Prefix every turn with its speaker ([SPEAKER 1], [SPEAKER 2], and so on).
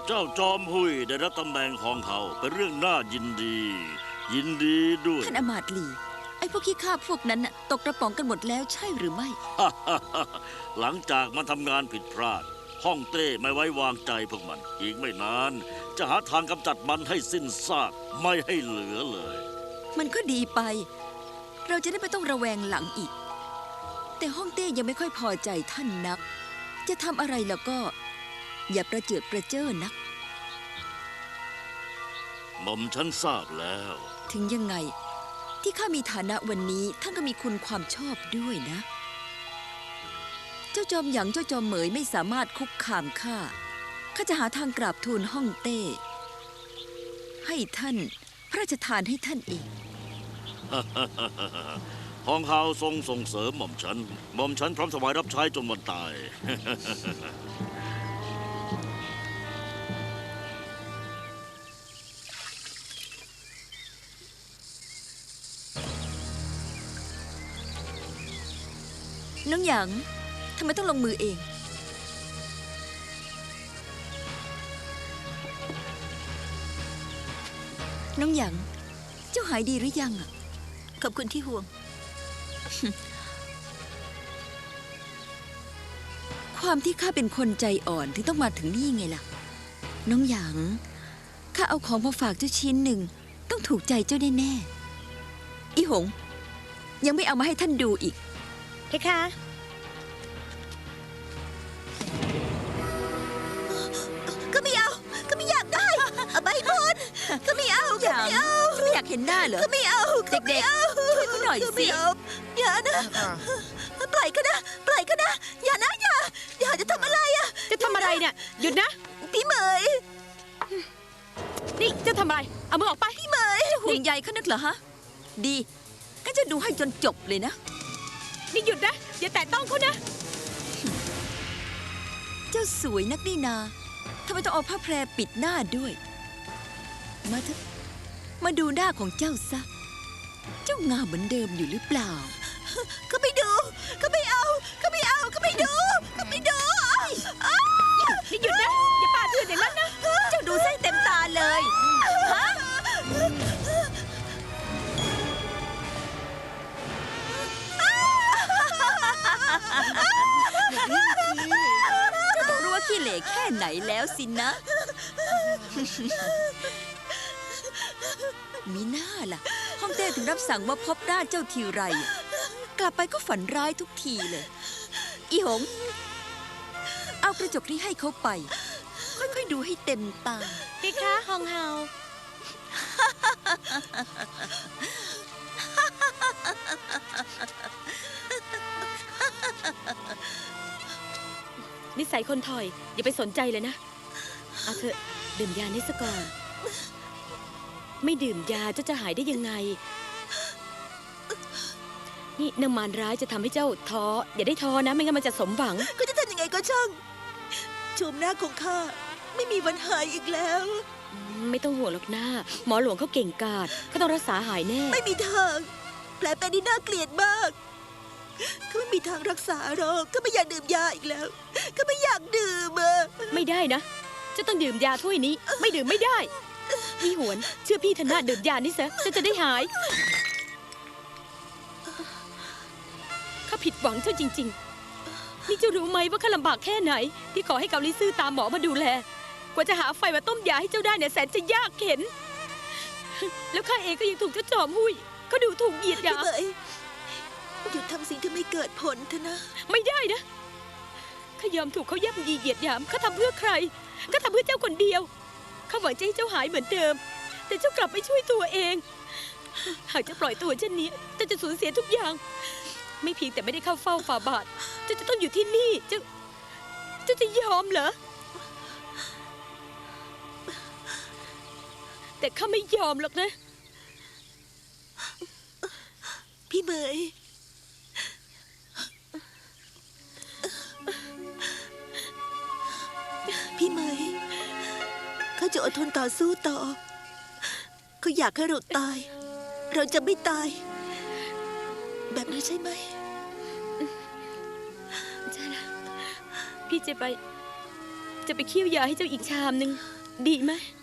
[SPEAKER 1] เจ้าจอมหุยได้รับตำแหน่งของเขาเป็นเรื่องน่ายินดี ยินดีด้วย
[SPEAKER 2] ท่านอมาตย์ลีไอ้พวกขี้ข้าพวกนั้นน่ะตกกระป๋องกันหมดแล้วใช่หรือไม่
[SPEAKER 1] หลังจากมันทำงานผิดพลาดฮ่องเต้ไม่ไว้วางใจพวกมัน อีกไม่นาน จะหาทางกำจัดมันให้สิ้นซากไม่ให้เหลือเลย
[SPEAKER 2] มันก็ดีไป เราจะได้ไม่ต้องระแวงหลังอีก แต่ฮ่องเต้ยังไม่ค่อยพอใจท่านนัก จะทำอะไรแล้วก็ อย่าประเจิดประเจ้อนัก
[SPEAKER 1] หม่อมฉันทราบแล้ว
[SPEAKER 2] ถึงยังไง ที่ข้ามีฐานะวันนี้ท่านก็มีคุณความชอบด้วยนะ เจ้าจอมหยางเจ้าจอมเหมยไม่สามารถคุกคามข้าจะหาทางกราบทูลฮ่องเต้ ให้ท่านพระราชทานให้ท่านเอง
[SPEAKER 1] ของเขาทรงส่งเสริมหม่อมฉันพร้อมถวายรับใช้จนวันตาย
[SPEAKER 2] น้องหยางทำไมต้องลงมือเอง น้องหยางเจ้าหายดีหรือยังอ่ะขอบคุณที่ห่วง ความที่ข้าเป็นคนใจอ่อนที่ต้องมาถึงนี่ไงล่ะ น้องหยางข้าเอาของมาฝากเจ้าชิ้นหนึ่งต้องถูกใจเจ้าแน่ๆอีหงยังไม่เอามาให้ท่านดูอีกเพคะก็ไม่เอาก็ไม่อยากได้เอาไปพ้นก็ไม่เอาก็ไม่เอาไม่อยากเห็นหน้าเหรอก็ไม่เอาเด็กๆช่วยเขาหน่อยสิอย่านะปล่อยก็นะปล่อยก็นะอย่านะอย่าจะทำอะไรอะ
[SPEAKER 3] จะทำอะไรเนี่ยหยุดนะ
[SPEAKER 2] พี่เหมย
[SPEAKER 3] นี่จะทำอะไรเอามือออกไป
[SPEAKER 2] พี่เหมยจะห่วงใยเขานักเหรอฮะดีก็จะดูให้จนจบเลยนะ
[SPEAKER 3] นี่หยุดนะอย่าแตะต้องเขานะ
[SPEAKER 2] เจ้าสวยนักนี่นาทำไมต้องเอาผ้าแพรปิดหน้าด้วยมาเถอะมาดูหน้าของเจ้าซะเจ้างามเหมือนเดิมอยู่หรือเปล่าก็ไม่ดูก็ไม่เอาก็ไม่เอาก็ไม่ดูก็ไม่ดู
[SPEAKER 3] นี่หยุดนะอย่าปาดเถื่อนอย่างนั้นนะ
[SPEAKER 2] เจ้าดูไส้เต็มตาเลยฮะเจ้าต้องรู้ว่าขี้เหร่แค่ไหนแล้วสินะมีหน้าล่ะฮ่องเต้ถึงรับสั่งว่าพบหน้าเจ้าทีไรกลับไปก็ฝันร้ายทุกทีเลยอีหงเอากระจกนี้ให้เขาไปค่อยๆดูให้เต็มตา
[SPEAKER 3] พี่คะฮองเฮานิสัยคนถอยอย่าไปสนใจเลยนะเอาเถอะดื่มยานี้ซะก่อนไม่ดื่มยาเจ้าจะหายได้ยังไงนี่นางมารร้ายจะทำให้เจ้าท้ออย่าได้ท้อนะไม่งั้นมันจะสมหวัง
[SPEAKER 2] ก็จะทำยังไงก็ช่างชมหน้าของข้าไม่มีวันหายอีกแล้ว
[SPEAKER 3] ไม่ต้องห่วงหรอกนะหมอหลวงเขาเก่งกาจเขาต้องรักษาหายแน่
[SPEAKER 2] ไม่มีทางแผลเป็นนี่น่าเกลียดมากก็ไม่มีทางรักษาหรอกก็ไม่อยากดื่มยาอีกแล้วก็ไม่อยากดื่ม
[SPEAKER 3] ไม่ได้นะจะต้องดื่มยาถ้วยนี้ไม่ดื่มไม่ได้พี่หวนเชื่อพี่ธนาดื่มยานี่ซะจะได้หายข้าผิดหวังเจ้าจริงๆนี่เจ้ารู้ไหมว่าข้าลำบากแค่ไหนที่ขอให้เกาลิซื่อตามหมอมาดูแลกว่าจะหาไฟมาต้มยาให้เจ้าได้เนี่ยแสนจะยากเข็ญแล้วข้าเองก็ยังถูกเจ้าจอมหุ้ยก็ดูถูกเหยียดหยาม
[SPEAKER 2] หยุดทำสิ่งที่ไม่เกิดผลเถอะนะ
[SPEAKER 3] ไม่ได้นะข้ายอมถูกเขาย่ำยีเหยียดหยามข้าทำเพื่อใครก็ทำเพื่อเจ้าคนเดียวข้าหวังจะให้เจ้าหายเหมือนเดิมแต่เจ้ากลับไม่ช่วยตัวเองหากจะปล่อยตัวเช่นนี้เจ้าจะสูญเสียทุกอย่างไม่เพียงแต่ไม่ได้เข้าเฝ้าฝ่าบาทเจ้าจะต้องอยู่ที่นี่เจ้าจะยอมเหรอแต่ข้าไม่ยอมหรอกนะ
[SPEAKER 2] พี่เหมยพี่เหมยเขาจะอดทนต่อสู้ต่อเขาอยากให้เราตายเราจะไม่ตายแบบนั้นใช่ไหม
[SPEAKER 3] ใช่แล้วพี่จะไปเคี่ยวยาให้เจ้าอีกชามนึงดีไหม